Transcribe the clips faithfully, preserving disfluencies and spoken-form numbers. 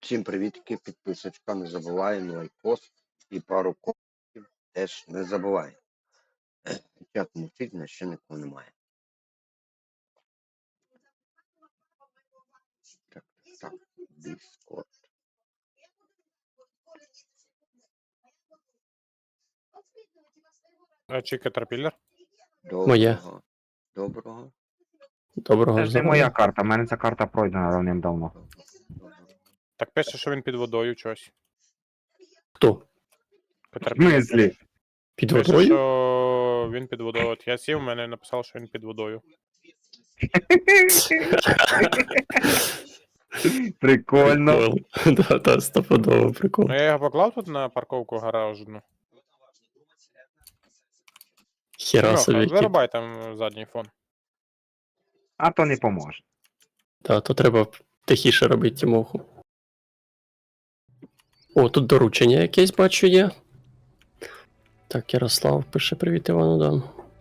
Всім привітки, підписочка, не забуваємо, лайкос і пару коментів теж не забуваємо. Чат мовчить, на ще нікого немає. Так, так, Discord. А чи Caterpillar? Доброго. Моє. Доброго. Доброго Це ж не здоров'я. моя карта, в мене ця карта пройдена давним-давно. Доброго. Так пише, що він під водою чогось. Хто? В Caterpillar. смислі? Під Пише, водою? що він під водою. От я сів, мене написав, що він під водою. Прикольно. Прикол. Да, та, стопудово прикол. Ну я його поклав тут на парковку гаражну. Хера Ну, собі. кіт. вирубай там задній фон. А то не поможе. Та, то треба тихіше робити Тімоху. О, тут доручення якесь бачу є. Так, Ярослав пише привіт Івану, да.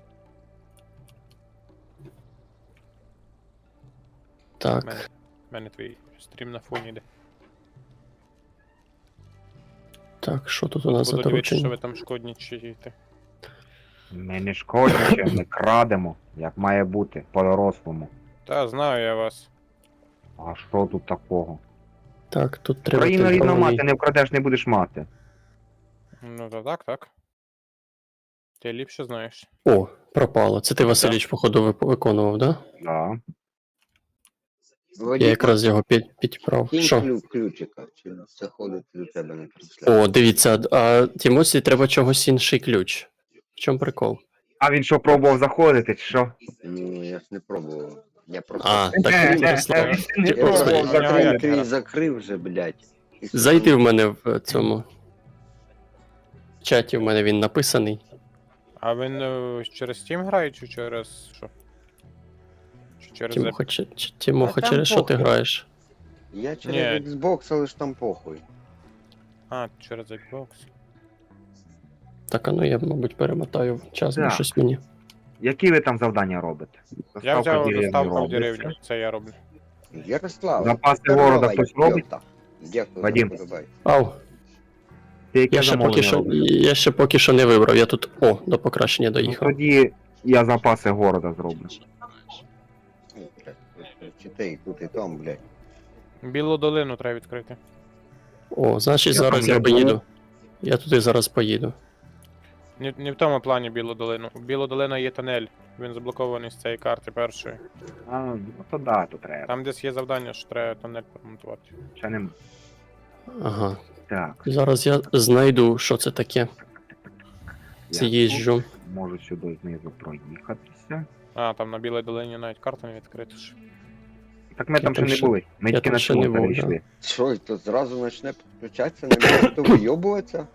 У мене, Так, в мене твій стрім на фоні йде. так, що тут у нас за Буду дивитися, що доручення? ви там шкоднічаєте. Ми не шкодничаємо, ми крадемо, як має бути, по-дорослому. Та, знаю я вас. А що тут такого? Так, тут треба Україна рідна темперований. мати, не вкрадеш, не будеш мати. Ну то так, так. Ти ліпше знаєш. О, пропало. Це ти, Василіч, походу, вип- виконував, да? Да. Я якраз його під, підправ. Кінь Що? клю- ключика, чи заходить у тебе на трансляцію. О, дивіться, а Тімосі треба чогось інший ключ. В чому прикол? А він що, пробував заходити, чи що? Ну, я ж не пробував. Я просто... А, так Ярослав. Не Я пробував просто закрити. закрив, твій закрив вже, блядь. І все. Зайди в мене в цьому. В чаті в мене він написаний. А він е, через Steam грає чи через що? Чи через Epic? Тімоха, чи- чи- Тімоха, А там через що ти похуй. граєш? Я через Ні. Xbox, але ж там похуй. А, через Xbox. Так, а ну я, мабуть, перемотаю час, бо Так. щось мені. Які ви там завдання робите? Я Доставка взяв деревні доставку в робиться. деревню, це я роблю. Ярослав. Запаси здорово, города хтось робить? ідіота. Дякую. Вадим. за вподобайку. Ау, Ти яке я ще, поки замовлення що, робиш? я ще поки що не вибрав, я тут, о, до покращення Ну, доїхав. тоді я запаси города зроблю. Ой, блядь, Чи ти і тут, і там, блядь. Білу долину треба відкрити. О, значить Я там зараз я вже був. поїду. Я туди зараз поїду. Не, не в тому плані Білу долину. У Білу долина є тунель. Він заблокований з цієї карти першої. А, ну то да, то треба. Там десь є завдання, що треба тунель промонтувати. Ще не... Ага. Так. Зараз я знайду, що це таке. Це я їжджу. Можу сюди знизу проїхатися. А, там на Білій долині навіть карта не відкрита. ж. Так ми Я там ще там не ще- були. Ми я тільки там на ще не цьому був, перейшли. Що, і то зразу почне підключатися, не буде хто вийобуватися?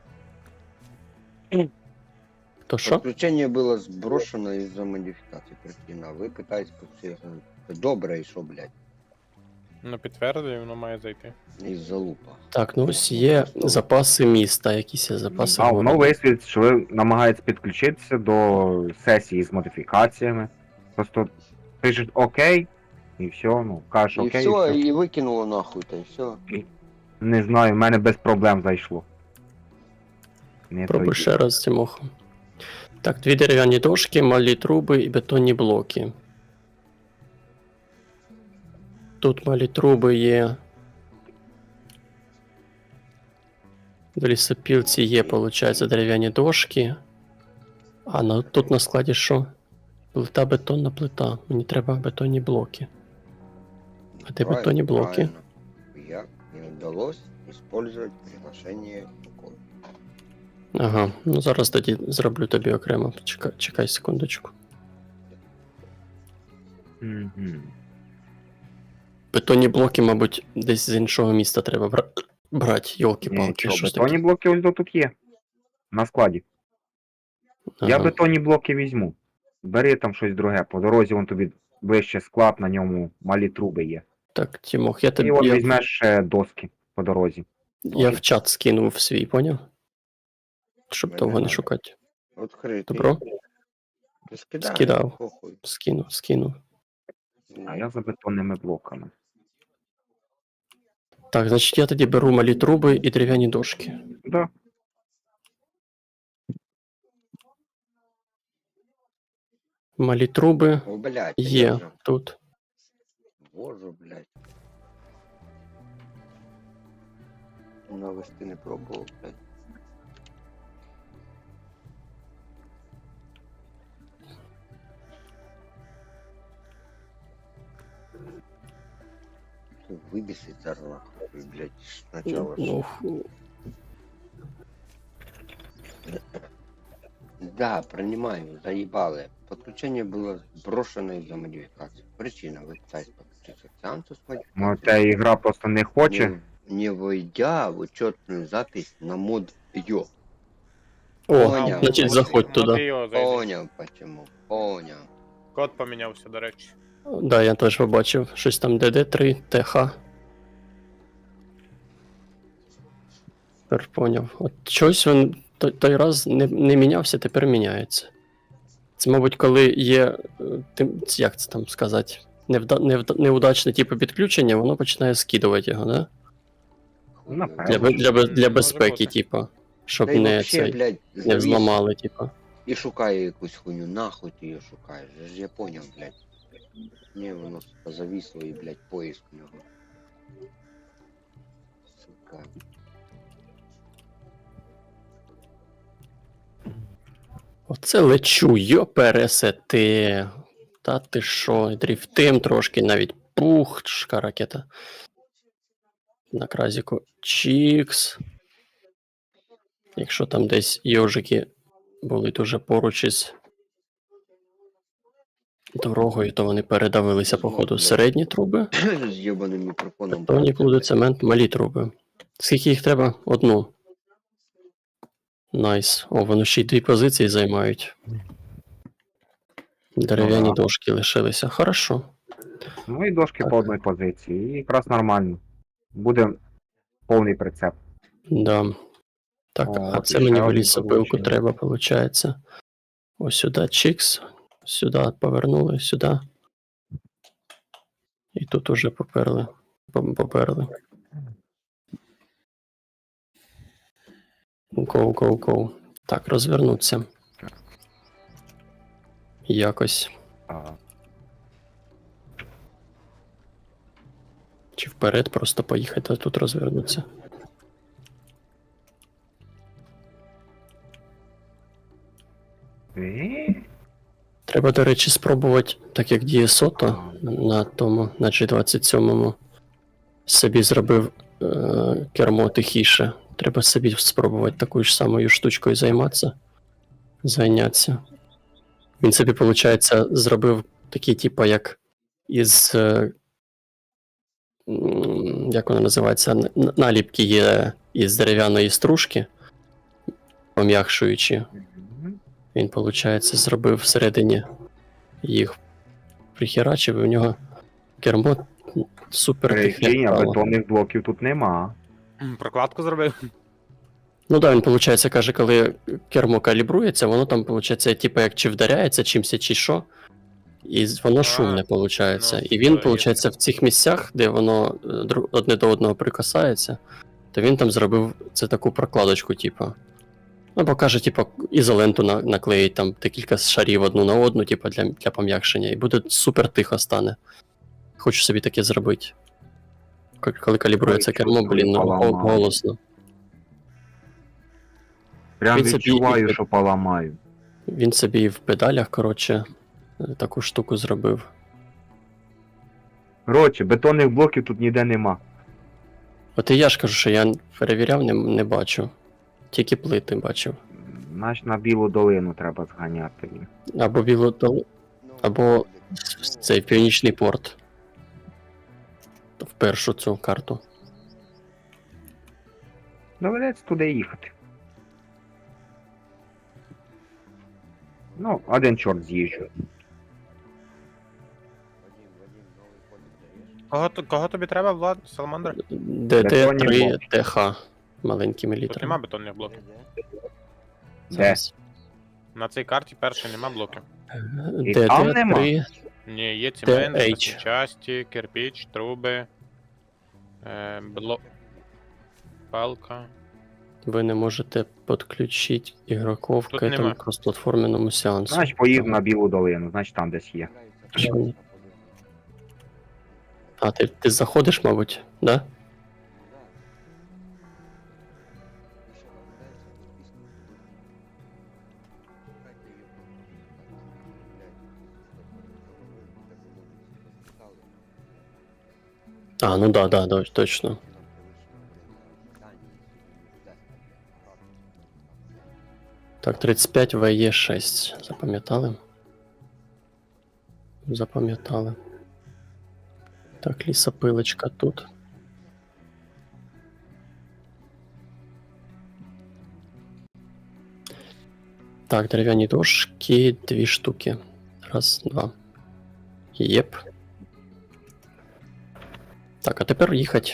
То що? Подключение было сброшено из-за модификации, прикинь, а вы пытаетесь подключиться. Добре, і що, блядь, Ну підтвердив, воно має зайти. із-за лупа. Так, ну ось є запаси міста, якісь є запаси А воно города. висвітлить, що ви намагаєтесь підключитися до сесії з модифікаціями. Просто пишеш окей, і все, ну, кажеш І окей, все, і все. і викинуло нахуй, та і все. Не знаю, в мене без проблем зайшло. Не Пробуй той. ще раз, Тимоху. Так, дві дерев'яні дошки, малі труби і бетонні блоки. Тут малі труби є. В лісопілці є, виходить, дерев'яні дошки. А на, тут на складі що? Плита, бетонна плита. Мені треба бетонні блоки. А де Правильно, бетонні блоки? правильно. Як не удалось использовать приглашение покою. Ага, ну зараз тоді зроблю тобі окремо. Чекай, чекай секундочку. Мгм. Бетонні блоки, мабуть, десь з іншого міста треба бра... брати, йолки-палки, Нічого, щось бетонні таке. блоки ось тут є. На складі. Я Ага. бетонні блоки візьму. Бери там щось друге. По дорозі вон тобі ближче склад, на ньому малі труби є. Так, Тімох, я І тобі от я, візьмеш ще доски по дорозі. я в чат скинув свій, поняв? Щоб Мене довго не надо. шукати. Откритий. Добро? Скидай, Скидав. похуй. Скинув, скинув. А я за бетонними блоками. Так, значить я тоді беру малі труби і дерев'яні дошки. Да. Малі труби О, блядь, а я є вже тут. вожу, блядь. Навести не пробував, блядь. Ты выбесить зараз нахуй, блядь, сначала. ж. Ну, фу. Да, принимаю, заебалы. Подключение было брошено из-за модификации. Причина, вы пытаетесь подключиться к сеансу с Ну, модификацией. ця ігра просто не хоче. Не, не войдя в учетную запись на мод Йо. О, Поняв. значить Мод- заходь мод туди. йо зайди. Понял почему, понял. Код помінявся, до речі. Да, я теж побачив. Щось там ді ді три, Т Х. Тепер поняв. От щось він той, той раз не, не мінявся, тепер міняється. Це, мабуть, коли є. е, Тим, як це там сказати? Невда, невда, неудачне типу підключення, воно починає скидувати його, да? Хуй Напевно. Для, бе- для, бе- для Може безпеки, бути. типу. Щоб Та й не, вообще, цей, блядь, не завис взламали, типу. і шукає якусь хуйню, нахуй ти її шукаєш. Я ж я понял, блядь. Ні, воно сука, зависло і, блядь, поиск у нього. Сука. Оце лечу, йопересети. Та ти що, дріфтим трошки навіть пух, шка ракета. На кразіку чікс. Якщо там десь йожики були дуже поруч із дорогою, то вони передавилися, походу, в середні труби. З єбаним мікрофоном. Тоні буде цемент, малі труби. Скільки їх треба? Одну. Найс. О, вони ще й дві позиції займають. Дерев'яні Ага. дошки лишилися. Хорошо. Ну і дошки Так. по одній позиції. І якраз нормально. Буде повний прицеп. Да. Так, О, а це і мені ще в одне лісопилку получення. треба, виходить. Ось сюди чікс. Сюди повернули, сюди. І тут уже поперли. По- Поперли. Гоу, гоу, гоу. Так, розвернуться. Якось. А, Чи вперед просто поїхати, а тут розвернуться. е? Треба, до речі, спробувати, так як діє сото на тому, на джі двадцять сім собі зробив е- кермо тихіше. Треба собі спробувати такою ж самою штучкою займатися. Зайнятися. Він собі, виходить, зробив такий, типу, як із. Е- м, як вона називається? Н- н- Наліпки є із дерев'яної стружки, пом'якшуючи. Мгм. Він, виходить, зробив всередині їх прихерачив, і в нього кермо супер тихе Прикинь, а стало. бетонних блоків тут нема. М, Прокладку зробив. Ну так, він, виходить, каже, коли кермо калібрується, воно там, виходить, типу, як чи вдаряється чимся, чи що. І з- воно А, шумне, виходить. ну, І він, то є виходить, в цих місцях, де воно е, дру- одне до одного прикасається, то він там зробив це таку прокладочку, типу. Ну, бо каже, типу, ізоленту на, наклеїть там декілька шарів одну на одну, типу, для, для пом'якшення, і буде супер тихо стане. Хочу собі таке зробити. К- Коли калібрується Ой, кермо, чувствую, блін, ну, поламав. гол- голосно. Прям Він собі відчуваю, і- що поламаю. Він собі в педалях, коротше, е, таку штуку зробив. Коротше, бетонних блоків тут ніде нема. От і я ж кажу, що я перевіряв, не, не бачу. Тільки плити бачив. Значить на білу долину треба зганяти. Або біло дол- або цей північний порт. В першу цю карту. Доведеться туди їхати. Ну, один чорт з'їжджу. Вадим, Вадим, новий кодик даєш? Кого, т- кого тобі треба, Влад? Саламандр? ДД Бетонні три блоки. Т Х маленькими Тут нема літерами. бетонних блоків. Де? Зараз. На цій карті перший нема блоків. І там нема? ді ді три. Ні, є цемент, Т Х. запчасті, кирпіч, труби. Е, бло... Палка. Ви не можете підключити ігроков Тут к этому нема. кросплатформенному сеансу. Значить, поїду на білу долину, значить там десь є. Що ні? А, ти, ти заходиш, мабуть, да? А, ну да, да, да, точно. Так, тридцять п'ять В Е шість. Запам'ятали? Запам'ятали. Так, лісопилочка тут. Так, дерев'яні дошки, дві штуки. Раз, два. Єп. Так, а тепер їхати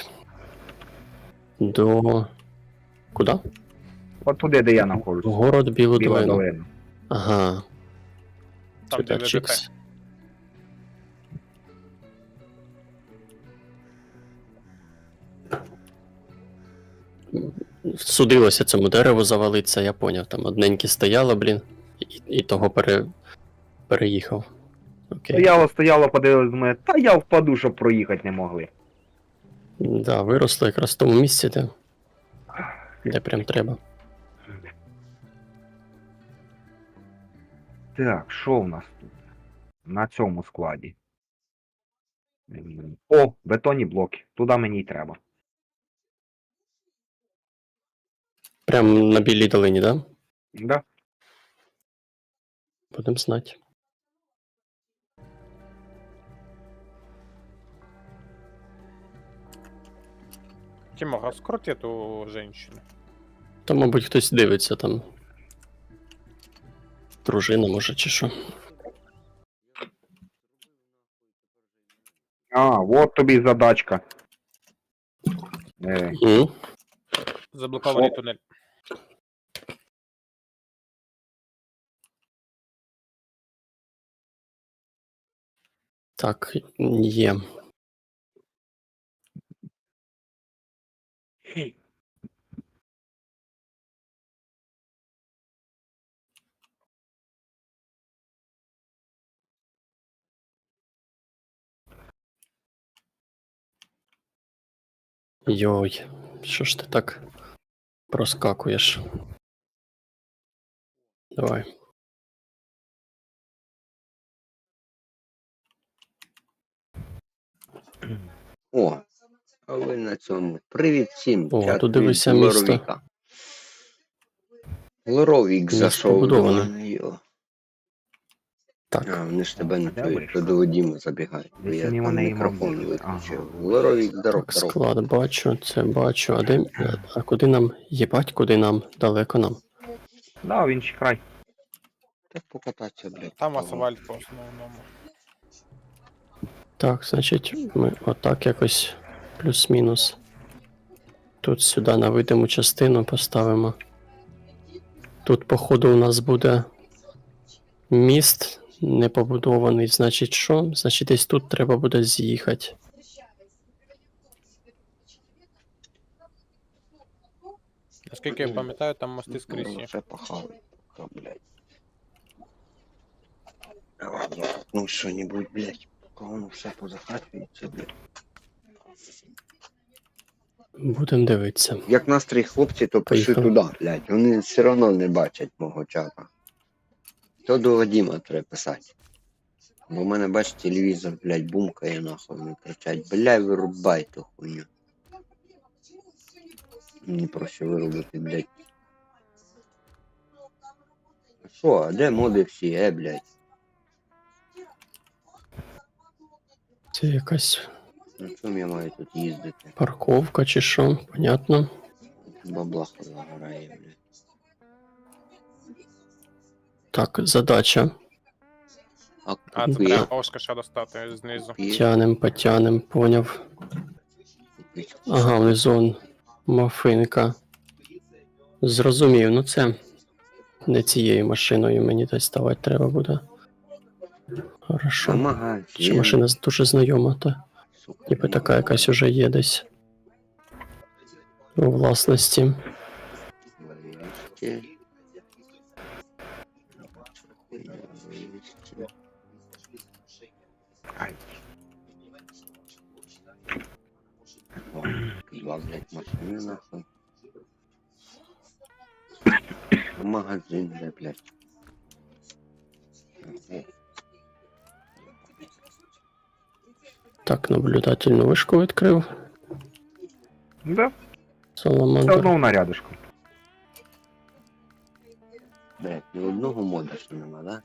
до. Куди? От туди, де я знаходжусь. Город Білу Біла Долину. долина. Ага. Там, де Сюди ВДП. чікс. Судилося цьому дереву завалитися, я поняв. Там одненьке стояло, блін, і, і того пере... переїхав. Окей. Стояло, стояло, подивилось, думає, та я впаду, щоб проїхати не могли. Да, виросло якраз в тому місці, де, де прям треба. Так, що в нас тут? На цьому складі. М, О, бетонні блоки. Туди мені й треба. Прям на білій долині, да? Да? Будемо знати. Тимоха, скрути ту женщину. Та, мабуть, хтось дивиться там. Дружина, може, чи що. А, от тобі і задачка. Е, М? Заблокований Що? тунель. Так, є. Йой, що ж ти так проскакуєш? Давай. О, а ви на цьому. Привіт всім. О, чат тут від дивися місто. Лоровіка. Лоровік Місто зайшов до побудоване. мене. йо. Так, А, вони ж тебе не Де чують, вийшло? то до Вадима забігай. Бо Десь я вони там мене і мікрофон мабуть. виключив. Ага. Лоровік, здоров, так, здоров. склад бачу, це бачу. А де. А куди нам? Єбать, куди нам? Далеко нам. Да, в інший край. Так покататися, блядь. Там по асфальт по основному. Так, значить, ми отак якось плюс-мінус. Тут сюди на видиму частину поставимо. Тут, походу, у нас буде міст не побудований. Значить, що? Значить, десь тут треба буде з'їхати. Наскільки я пам'ятаю, там мости скрізь Ну, є. Вже пахали. Та, блядь. Давай, я ну що-нибудь, блядь. Поки воно все позахачується, блядь. Будемо дивитися. Як настрій хлопці, то пиши Поїхали. туди, блядь. Вони все одно не бачать мого чата. То до Вадима треба писати. Бо в мене, бач, телевізор, блядь, бумкає нахуй. Вони кричать, блядь, вирубай ту хуйню. Мені проще вирубити, блядь. А що, а де моди всі, е, блядь? Це якась На чому я маю тут їздити? парковка чи що? Понятно. Бабла хуйня грає, блядь. Так, задача. А А, це купи, треба Ошкаша достати знизу. купи, Тянем, потянем, поняв. купи. Ага, внизу мафинка. Зрозумів, ну це не цією машиною мені доставати треба буде. Хорошо. Помагай, Чи машина з- дуже знайома, та сука, ніби така помагай. якась уже є десь. у власності. Вивести. Вивести. Ай. О, два, блядь, машини нахуй. Магазин, де, блядь. Ага. Так, наблюдательну вишку відкрив. Да, все Саламандр. одно в нарядишку. Блядь, ні одного мода ще нема, да?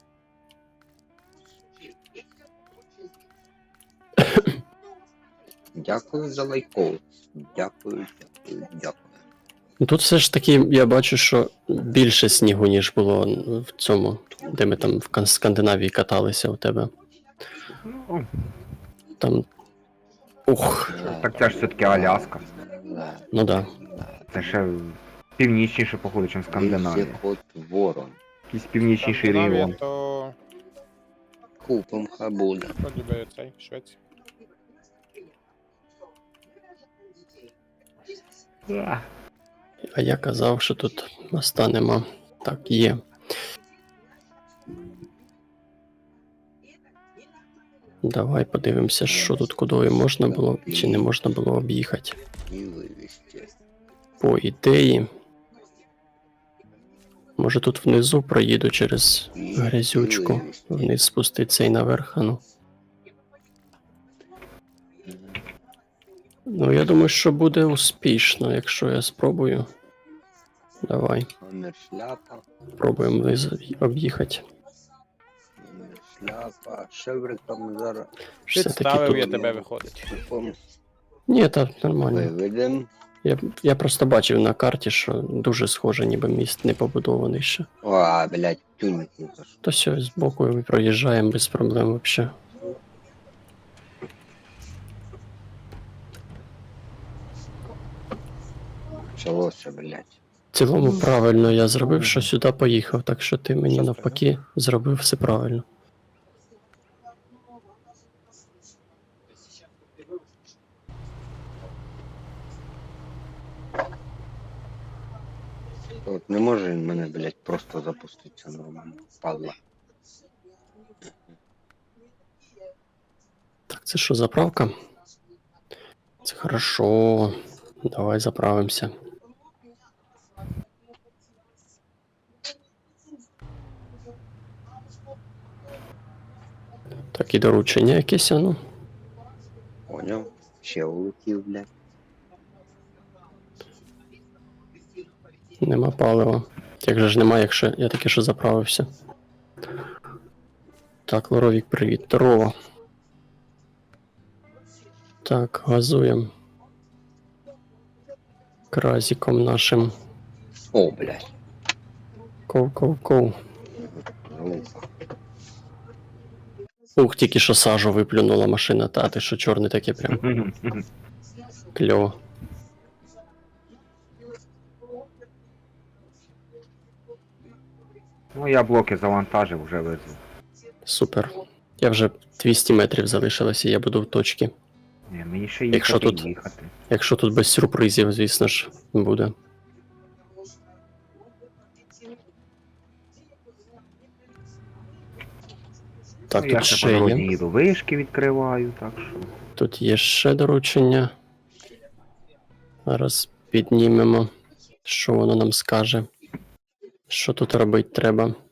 Дякую за лайков. Дякую, дякую, дякую. Тут все ж таки я бачу, що більше снігу, ніж було в цьому, де ми там в Кан- Скандинавії каталися у тебе. Ну, Там. Ух, так це ж все-таки Аляска. ну да. Це ще північніше, походу, ніж Скандинавія. Кот ворон. Якийсь північніший Скандинавія, регіон. то Купом хай буде. вроді би цей, Швеція. Да. А я казав, що тут моста нема. Так, є. Давай подивимося, що тут кудою можна було чи не можна було об'їхати. І вивести. По ідеї. Може тут внизу проїду через грязючку. Вниз спуститься і наверх, а ну. Ну, я думаю, що буде успішно, якщо я спробую. Давай, Хаммер шляпа. пробуємо вниз об'їхати. Хаммер шляпа. Шевриком зараз. Все-таки Підставив тут. я тебе, виходить. Ні, так, нормально. Виведем. Я, я просто бачив на карті, що дуже схоже, ніби міст не побудований ще. О, блядь, тюнік не пошел. То все, збоку ми проїжджаємо без проблем взагалі. Почалося, блядь. В цілому правильно я зробив, що сюди поїхав, так що ти мені навпаки зробив все правильно. От не може він мене, блядь, просто запуститися нормально. Падла. Так, це що, заправка? Це хорошо. Давай заправимося. Так, і доручення якесь, а ну. Поняв? Ще улетів, блядь. Нема палива. Як же ж нема, якщо я таки що заправився. Так, Лоровік, привіт. Здорово. Так, газуємо. Кразіком нашим. О, блядь. Коу-коу-коу. Глупо. Ух, тільки що сажу виплюнула машина, та ти що чорне таке прям кльово. Ну, я блоки завантажив, вже везу. Супер. Я вже двісті метрів залишилося, я буду в точці. Ні, мені ще Якщо їхати тут- їхати. Якщо тут без сюрпризів, звісно ж, буде. Так, Ну, я тут ще по ще дорозі є. їду, вишки відкриваю, так що. Тут є ще доручення. Зараз піднімемо, що воно нам скаже. Що тут робити треба.